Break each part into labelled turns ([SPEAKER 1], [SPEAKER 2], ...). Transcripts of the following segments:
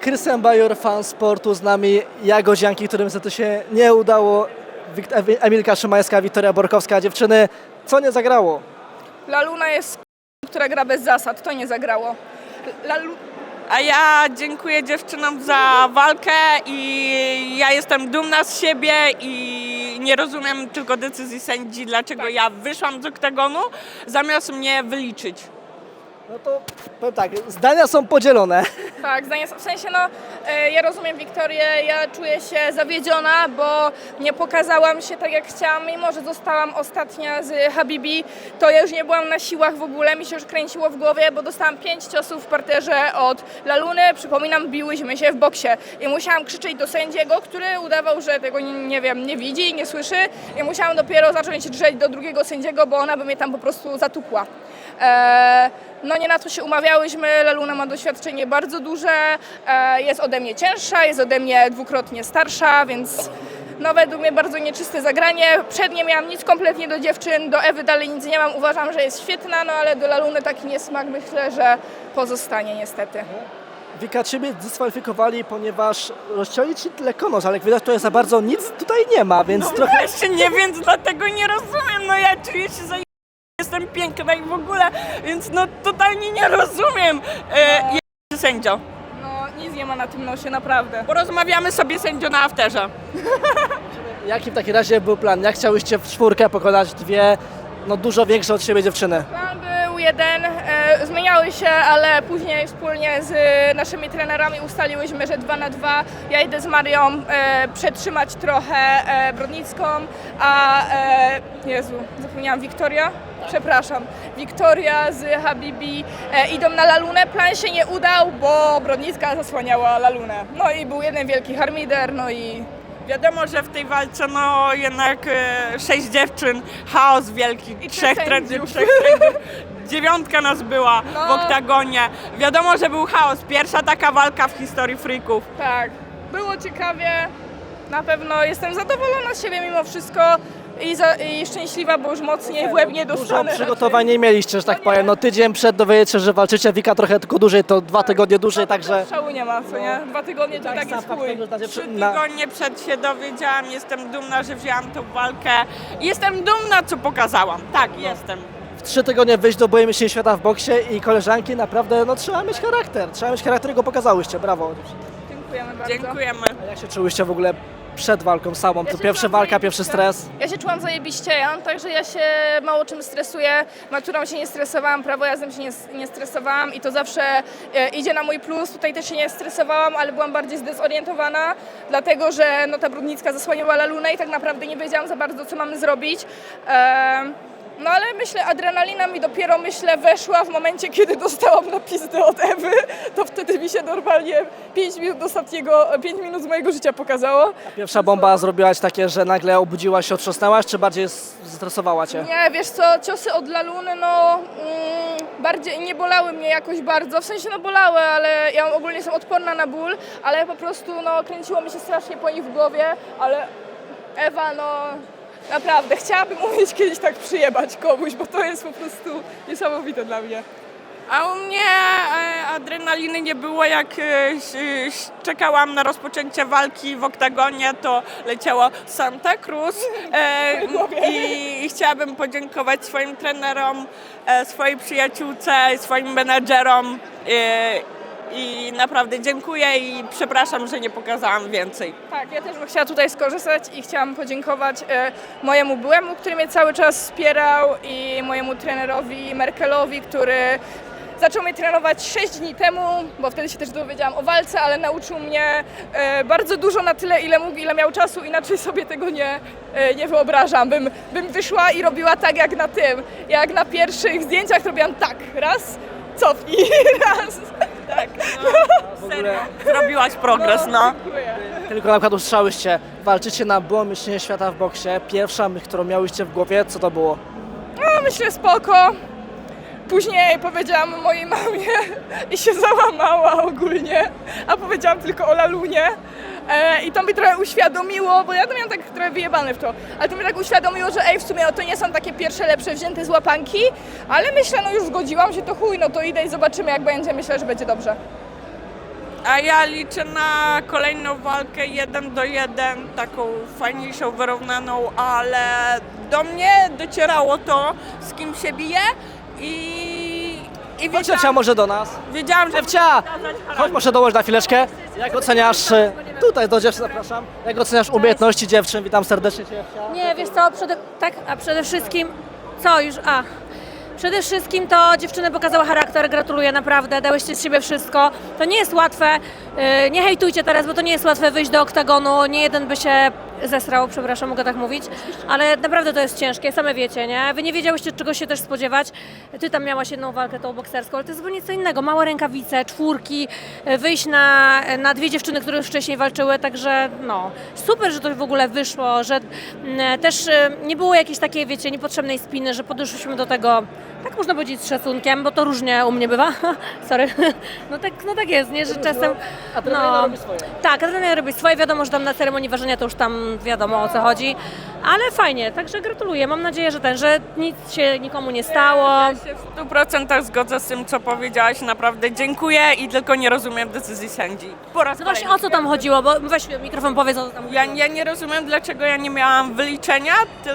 [SPEAKER 1] Krystian Bajor, fan sportu, z nami Jagodzianki, którym niestety się nie udało. Emilka Szymańska, Wiktoria Borkowska. Dziewczyny, co nie zagrało?
[SPEAKER 2] Laluna jest która gra bez zasad, to nie zagrało.
[SPEAKER 3] A ja dziękuję dziewczynom za walkę i ja jestem dumna z siebie i nie rozumiem tylko decyzji sędzi, dlaczego ja wyszłam z oktagonu, zamiast mnie wyliczyć.
[SPEAKER 1] No to powiem tak, zdania są podzielone.
[SPEAKER 2] Tak, w sensie ja rozumiem Wiktorię, ja czuję się zawiedziona, bo nie pokazałam się tak jak chciałam, mimo że zostałam ostatnia z Habibi, to ja już nie byłam na siłach w ogóle, mi się już kręciło w głowie, bo dostałam 5 ciosów w parterze od Laluny, przypominam, biłyśmy się w boksie i musiałam krzyczeć do sędziego, który udawał, że tego nie widzi, nie słyszy i musiałam dopiero zacząć drzeć do drugiego sędziego, bo ona by mnie tam po prostu zatukła. No nie na to się umawiałyśmy, Laluna ma doświadczenie bardzo duże, jest ode mnie cięższa, jest ode mnie dwukrotnie starsza, więc według mnie bardzo nieczyste zagranie. Przed nie miałam nic kompletnie do dziewczyn, do Ewy dalej nic nie mam, uważam, że jest świetna, ale do Laluny taki niesmak myślę, że pozostanie niestety.
[SPEAKER 1] Wika, ciebie dyskwalifikowali, ponieważ rozcięli ci tyle konosz, ale jak widać, to za bardzo nic tutaj nie ma, więc
[SPEAKER 3] No
[SPEAKER 1] trochę...
[SPEAKER 3] właśnie nie, więc dlatego nie rozumiem, ja czuję się jestem piękna i w ogóle, więc totalnie nie rozumiem. Sędzio.
[SPEAKER 2] Nic nie ma na tym nosie, naprawdę.
[SPEAKER 3] Porozmawiamy sobie sędzio na afterze.
[SPEAKER 1] Jaki w takim razie był plan? Jak chciałyście w czwórkę pokonać dwie, dużo większe od siebie dziewczyny?
[SPEAKER 2] Plan był jeden, zmieniały się, ale później wspólnie z naszymi trenerami ustaliłyśmy, że 2 na 2. Ja idę z Marią przetrzymać trochę Brodnicką, a Jezu, zapomniałam, Wiktoria z Habibi idą na Lalunę. Plan się nie udał, bo Brodnicka zasłaniała Lalunę. I był jeden wielki harmider, i
[SPEAKER 3] Wiadomo, że w tej walce jednak 6 dziewczyn, chaos wielki,
[SPEAKER 2] I
[SPEAKER 3] 3
[SPEAKER 2] trzech
[SPEAKER 3] sędziów,
[SPEAKER 2] sędziów.
[SPEAKER 3] 9 nas była w oktagonie. Wiadomo, że był chaos, pierwsza taka walka w historii freaków.
[SPEAKER 2] Tak, było ciekawie, na pewno jestem zadowolona z siebie mimo wszystko i szczęśliwa, bo już mocniej w łeb nie
[SPEAKER 1] Dużo
[SPEAKER 2] dostanę.
[SPEAKER 1] przygotowań nie mieliście, że tak powiem. Tydzień przed dowiecie, że walczycie, Wika trochę tylko dłużej, to 2 tygodnie dłużej, także...
[SPEAKER 2] Szału nie ma, co nie? 2 tygodnie to tak jest chuj.
[SPEAKER 3] 3 tygodnie przed się dowiedziałam, jestem dumna, że wzięłam tą walkę. Jestem dumna, co pokazałam. Tak, jestem.
[SPEAKER 1] W 3 tygodnie wyjść do boju mistrzostw świata w boksie i koleżanki naprawdę, trzeba mieć charakter. Trzeba mieć charakter, go pokazałyście, brawo.
[SPEAKER 2] Dziękujemy bardzo.
[SPEAKER 3] Dziękujemy.
[SPEAKER 1] A jak się czułyście w ogóle przed walką samą?
[SPEAKER 2] Ja
[SPEAKER 1] To
[SPEAKER 2] się
[SPEAKER 1] pierwsza
[SPEAKER 2] czułam
[SPEAKER 1] walka,
[SPEAKER 2] zajebiście.
[SPEAKER 1] pierwszy stres?
[SPEAKER 2] Ja się czułam zajebiście, także ja się mało czym stresuję. Maturą się nie stresowałam, prawo jazdy się nie stresowałam i to zawsze idzie na mój plus. Tutaj też się nie stresowałam, ale byłam bardziej zdezorientowana, dlatego że ta Brodnicka zasłaniała Lalunę i tak naprawdę nie wiedziałam za bardzo, co mamy zrobić. Ale myślę, adrenalina mi dopiero, weszła w momencie, kiedy dostałam na pizdę od Ewy, to wtedy mi się normalnie 5 minut z mojego życia pokazało.
[SPEAKER 1] Pierwsza bomba zrobiłaś takie, że nagle obudziłaś się, otrząsnęłaś, czy bardziej zestresowała cię?
[SPEAKER 2] Nie, wiesz co, ciosy od Laluny, bardziej nie bolały mnie jakoś bardzo, w sensie bolały, ale ja ogólnie jestem odporna na ból, ale po prostu kręciło mi się strasznie po nich w głowie, ale Ewa, naprawdę, chciałabym umieć kiedyś tak przyjebać komuś, bo to jest po prostu niesamowite dla mnie.
[SPEAKER 3] A u mnie adrenaliny nie było, jak czekałam na rozpoczęcie walki w oktagonie, to leciało Santa Cruz i chciałabym podziękować swoim trenerom, swojej przyjaciółce, swoim menadżerom i naprawdę dziękuję i przepraszam, że nie pokazałam więcej.
[SPEAKER 2] Tak, ja też bym chciała tutaj skorzystać i chciałam podziękować mojemu byłemu, który mnie cały czas wspierał i mojemu trenerowi Merkelowi, który zaczął mnie trenować 6 dni temu, bo wtedy się też dowiedziałam o walce, ale nauczył mnie bardzo dużo na tyle, ile mógł, ile miał czasu, inaczej sobie tego nie wyobrażam. Bym wyszła i robiła tak jak na pierwszych zdjęciach, to robiłam tak, raz, cofnij, raz. Tak,
[SPEAKER 3] Serio, zrobiłaś progres,
[SPEAKER 2] Dziękuję.
[SPEAKER 1] Tylko na przykład usłyszałyście, walczycie na byłym mistrzostwie świata w boksie. Pierwsza myśl, którą miałyście w głowie, co to było?
[SPEAKER 2] Myślę spoko. Później powiedziałam mojej mamie i się załamała ogólnie, a powiedziałam tylko o Lalunie. I to mi trochę uświadomiło, bo ja to miałam tak trochę wyjebane w to, ale to mi tak uświadomiło, że w sumie to nie są takie pierwsze lepsze wzięte z łapanki, ale myślę, już zgodziłam się, to chuj, to idę i zobaczymy jak będzie, myślę, że będzie dobrze.
[SPEAKER 3] A ja liczę na kolejną walkę 1-1, taką fajniejszą, wyrównaną, ale do mnie docierało to, z kim się bije i
[SPEAKER 1] Chodź Ewcia może do nas.
[SPEAKER 3] wiedziałam, że
[SPEAKER 1] Ewcia, chodź może dołóż na chwileczkę. Jak oceniasz, tutaj do dziewczyn zapraszam, jak oceniasz umiejętności dziewczyn? Witam serdecznie Cię Ewcia.
[SPEAKER 4] Nie, wiesz co, przede wszystkim, przede wszystkim to dziewczyny pokazały charakter, gratuluję naprawdę, dałyście z siebie wszystko. To nie jest łatwe, nie hejtujcie teraz, bo to nie jest łatwe wyjść do oktagonu, nie jeden by się zesrał, przepraszam, mogę tak mówić, ale naprawdę to jest ciężkie, same wiecie, nie? Wy nie wiedziałyście, czego się też spodziewać. Ty tam miałaś jedną walkę, tą bokserską, ale to jest zupełnie co innego, małe rękawice, czwórki, wyjść na dwie dziewczyny, które już wcześniej walczyły, także no, super, że to w ogóle wyszło, że też nie było jakiejś takiej, wiecie, niepotrzebnej spiny, że podeszłyśmy do tego, tak można powiedzieć, z szacunkiem, bo to różnie u mnie bywa, sorry, no tak jest, nie, że czasem,
[SPEAKER 1] Adrenalina robi swoje.
[SPEAKER 4] tak, adrenalina robi swoje, wiadomo, że tam na ceremonii ważenia to już tam wiadomo, o co chodzi, ale fajnie, także gratuluję, mam nadzieję, że nic się nikomu nie stało.
[SPEAKER 3] ja się w 100% zgodzę z tym, co powiedziałaś, naprawdę dziękuję i tylko nie rozumiem decyzji sędzi. Po raz
[SPEAKER 4] No właśnie,
[SPEAKER 3] kolejny.
[SPEAKER 4] o co tam chodziło, bo weź mikrofon, powiedz, o co tam chodziło.
[SPEAKER 3] Ja nie rozumiem, dlaczego ja nie miałam wyliczenia,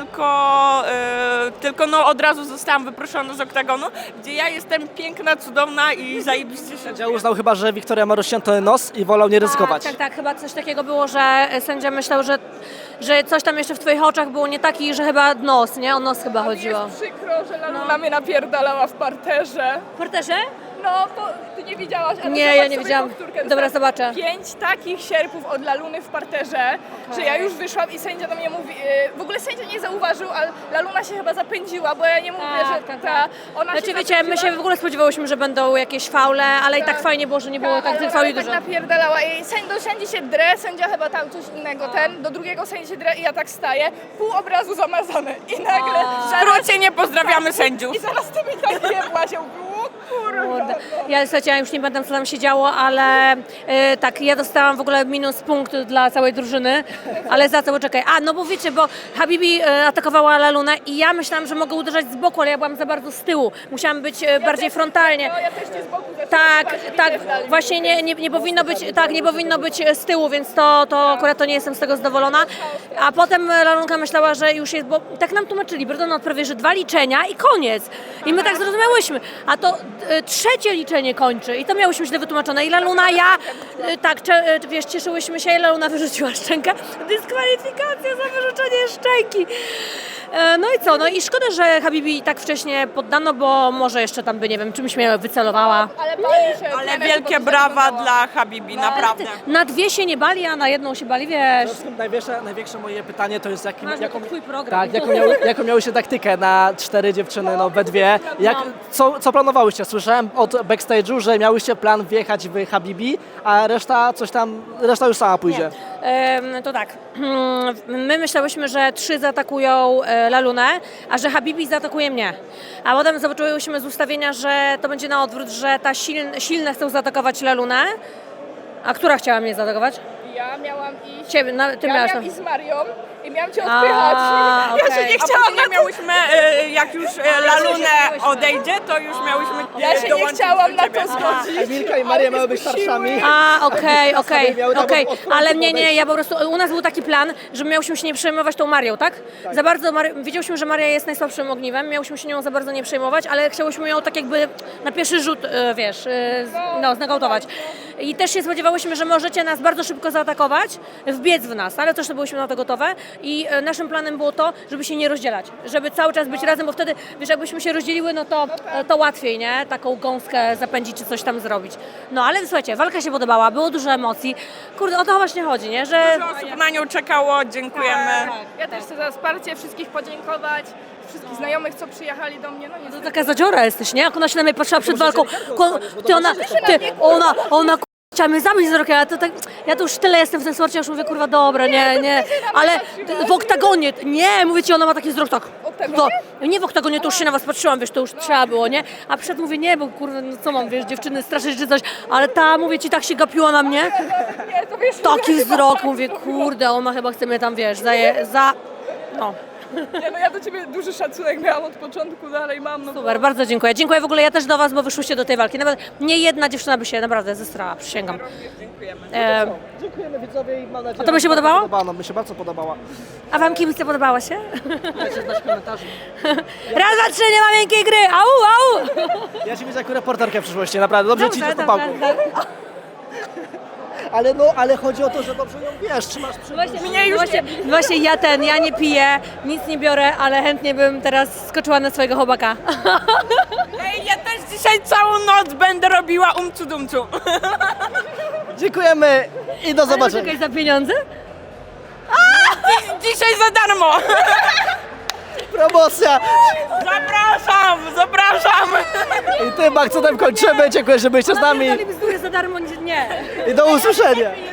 [SPEAKER 3] tylko no od razu zostałam wyproszona z oktagonu, gdzie ja jestem piękna, cudowna i zajebiście się
[SPEAKER 1] Sędzia uznał chyba, że Wiktoria ma rozcięty nos i wolał nie ryzykować.
[SPEAKER 4] Tak, chyba coś takiego było, że sędzia myślał, że coś tam jeszcze w twoich oczach było nie taki, że chyba nos, nie? O nos chyba chodziło.
[SPEAKER 2] Jest przykro, że Laluna mnie napierdalała w parterze.
[SPEAKER 4] W porterze?
[SPEAKER 2] No, ty nie widziałaś, ale
[SPEAKER 4] Nie,
[SPEAKER 2] zobacz
[SPEAKER 4] ja nie
[SPEAKER 2] sobie
[SPEAKER 4] widziałam.
[SPEAKER 2] powtórkę.
[SPEAKER 4] Dobra, zobaczę.
[SPEAKER 2] 5 takich sierpów od Laluny w parterze, że ja już wyszłam i sędzia do mnie mówi, w ogóle sędzia nie zauważył, ale Laluna się chyba zapędziła, bo ja nie mówię, że ona
[SPEAKER 4] Znaczy
[SPEAKER 2] się
[SPEAKER 4] wiecie, my
[SPEAKER 2] zapędziła.
[SPEAKER 4] się w ogóle spodziewałyśmy, że będą jakieś faule, ale i tak
[SPEAKER 2] Tak.
[SPEAKER 4] fajnie było, że nie było tak tych
[SPEAKER 2] Ale
[SPEAKER 4] fauli
[SPEAKER 2] tak
[SPEAKER 4] dużo.
[SPEAKER 2] napierdalała i do sędzi się drę, sędzia chyba tam coś innego, do drugiego sędzi się drę i ja tak staję, pół obrazu zamazane i nagle
[SPEAKER 3] W skrócie nie pozdrawiamy sędziów.
[SPEAKER 2] i zaraz ty mi tak jebła się, o kurwa.
[SPEAKER 4] Kurde. Ja już nie pamiętam, co tam się działo, ale tak, ja dostałam w ogóle minus punkt dla całej drużyny, ale za co, poczekaj. No bo wiecie, bo Habibi atakowała Lalunę i ja myślałam, że mogę uderzać z boku, ale ja byłam za bardzo z tyłu. Musiałam być bardziej frontalnie.
[SPEAKER 2] No, ja też cię z boku zaczęłam
[SPEAKER 4] Tak,
[SPEAKER 2] spać,
[SPEAKER 4] tak,
[SPEAKER 2] widać dalej.
[SPEAKER 4] właśnie nie powinno być, tak, nie powinno być z tyłu, więc to akurat to nie jestem z tego zadowolona. A potem Lalunka myślała, że już jest, bo tak nam tłumaczyli, Brydon prawie, że 2 liczenia i koniec. I my tak zrozumiałyśmy, a to trzecie liczenie kończy i to miałyśmy źle wytłumaczone. I Laluna, wiesz, cieszyłyśmy się i Laluna wyrzuciła szczękę. Dyskwalifikacja za wyrzucenie szczęki. No i co, no i szkoda, że Habibi tak wcześnie poddano, bo może jeszcze tam by, nie wiem, czymś mnie wycelowała.
[SPEAKER 2] Ale bali się.
[SPEAKER 3] Ale
[SPEAKER 2] trener
[SPEAKER 3] wielkie
[SPEAKER 2] chyba
[SPEAKER 3] brawa
[SPEAKER 2] zdenerwował.
[SPEAKER 3] dla Habibi, naprawdę.
[SPEAKER 4] Na 2 się nie bali, a na 1 się bali, wiesz.
[SPEAKER 1] Największe moje pytanie to jest
[SPEAKER 4] Jaką twój program.
[SPEAKER 1] Tak, jaką miałyście taktykę na 4 dziewczyny, we dwie? Co planowałyście? Słyszałem od backstage'u, że miałyście plan wjechać w Habibi, a reszta już sama pójdzie.
[SPEAKER 4] To tak, my myślałyśmy, że 3 zaatakują Lalunę, a że Habibi zaatakuje mnie. A potem zobaczyłyśmy z ustawienia, że to będzie na odwrót, że ta silne chcą zaatakować Lalunę. A która chciała mnie zaatakować?
[SPEAKER 2] Ja miałam iść.
[SPEAKER 4] Ciebie, ty
[SPEAKER 2] Ja
[SPEAKER 4] miałaś
[SPEAKER 2] miałam
[SPEAKER 4] tam.
[SPEAKER 2] iść z Marią i miałam cię odpychać. Ja się
[SPEAKER 4] okej.
[SPEAKER 2] nie
[SPEAKER 3] A
[SPEAKER 2] chciałam
[SPEAKER 3] później miałyśmy, jak już Lalunę odejdzie, to już miałyśmy
[SPEAKER 2] Ja się nie
[SPEAKER 3] dołączyć
[SPEAKER 2] chciałam
[SPEAKER 3] do
[SPEAKER 2] na
[SPEAKER 3] ciebie.
[SPEAKER 2] to zgodzić.
[SPEAKER 1] Emilka i Maria miały być starszami.
[SPEAKER 4] Okej. Ale nie, ja po prostu, u nas był taki plan, że miałyśmy się nie przejmować tą Marią, tak? Za bardzo, wiedziałyśmy, że Maria jest najsłabszym ogniwem, miałyśmy się nią za bardzo nie przejmować, ale chciałyśmy ją tak jakby na pierwszy rzut, wiesz, znokautować. I też się spodziewałyśmy, że możecie nas bardzo szybko zaatakować, wbiec w nas, ale też byłyśmy na to gotowe i naszym planem było to, żeby się nie rozdzielać, żeby cały czas być razem, bo wtedy, wiesz, jakbyśmy się rozdzieliły, no to łatwiej, nie? Taką gąskę zapędzić czy coś tam zrobić. No ale słuchajcie, walka się podobała, było dużo emocji. Kurde, o to właśnie chodzi, nie? Że
[SPEAKER 3] Dużo osób na nią czekało, dziękujemy.
[SPEAKER 2] Ja też chcę za wsparcie wszystkich podziękować. Wszystkich znajomych, co przyjechali do mnie. No
[SPEAKER 4] to
[SPEAKER 2] niestety.
[SPEAKER 4] taka zadziora jesteś, nie? Jak ona się na mnie patrzyła przed walką, ona chciała mnie zabić z rokiem, ja to już tyle jestem w tym sporcie, już mówię, kurwa, dobra, nie, ale w oktagonie, nie, mówię ci, ona ma taki wzrok, tak, nie w oktagonie, to już się na was patrzyłam, wiesz, to już trzeba było, nie, a przed mówię, nie, bo kurwa, no co mam, wiesz, dziewczyny straszyć czy coś, ale ta, mówię ci, tak się gapiła na mnie,
[SPEAKER 2] Nie, to wiesz,
[SPEAKER 4] taki wzrok, mówię, kurde, ona chyba chce mnie tam, wiesz, no.
[SPEAKER 2] Nie, no ja do ciebie duży szacunek miałam od początku, dalej mam. No
[SPEAKER 4] Super, bardzo dziękuję. Dziękuję w ogóle ja też do was, bo wyszłyście do tej walki. Nawet nie jedna dziewczyna by się naprawdę zestrała, przysięgam.
[SPEAKER 3] Dziękujemy.
[SPEAKER 1] Dziękujemy widzowie i mam nadzieję,
[SPEAKER 4] A to by się
[SPEAKER 1] że
[SPEAKER 4] podobało?
[SPEAKER 1] Podobało, mi się bardzo podobała.
[SPEAKER 4] A wam kibice podobało się?
[SPEAKER 1] Dajcie znać w komentarzu.
[SPEAKER 4] Raz, dwa, trzy, nie ma miękkiej gry! Au, au!
[SPEAKER 1] Ja ci widzę jako reporterkę w przyszłości, naprawdę. Dobrze ci idzie z tą pałką.
[SPEAKER 4] dobrze.
[SPEAKER 1] Ale chodzi o to, że dobrze ją wiesz, trzymasz przy
[SPEAKER 4] Właśnie ja nie piję, nic nie biorę, ale chętnie bym teraz skoczyła na swojego chłopaka.
[SPEAKER 3] Ej, ja też dzisiaj całą noc będę robiła umcu-dumcu.
[SPEAKER 1] Dziękujemy i do zobaczenia.
[SPEAKER 4] Czekaj, za pieniądze?
[SPEAKER 3] Dzisiaj za darmo.
[SPEAKER 1] Promocja!
[SPEAKER 3] Zapraszam.
[SPEAKER 1] I tym akcentem kończymy. Dziękuję, że byliście z nami
[SPEAKER 4] Pierdoli bzdury za darmo, nie.
[SPEAKER 1] i do usłyszenia.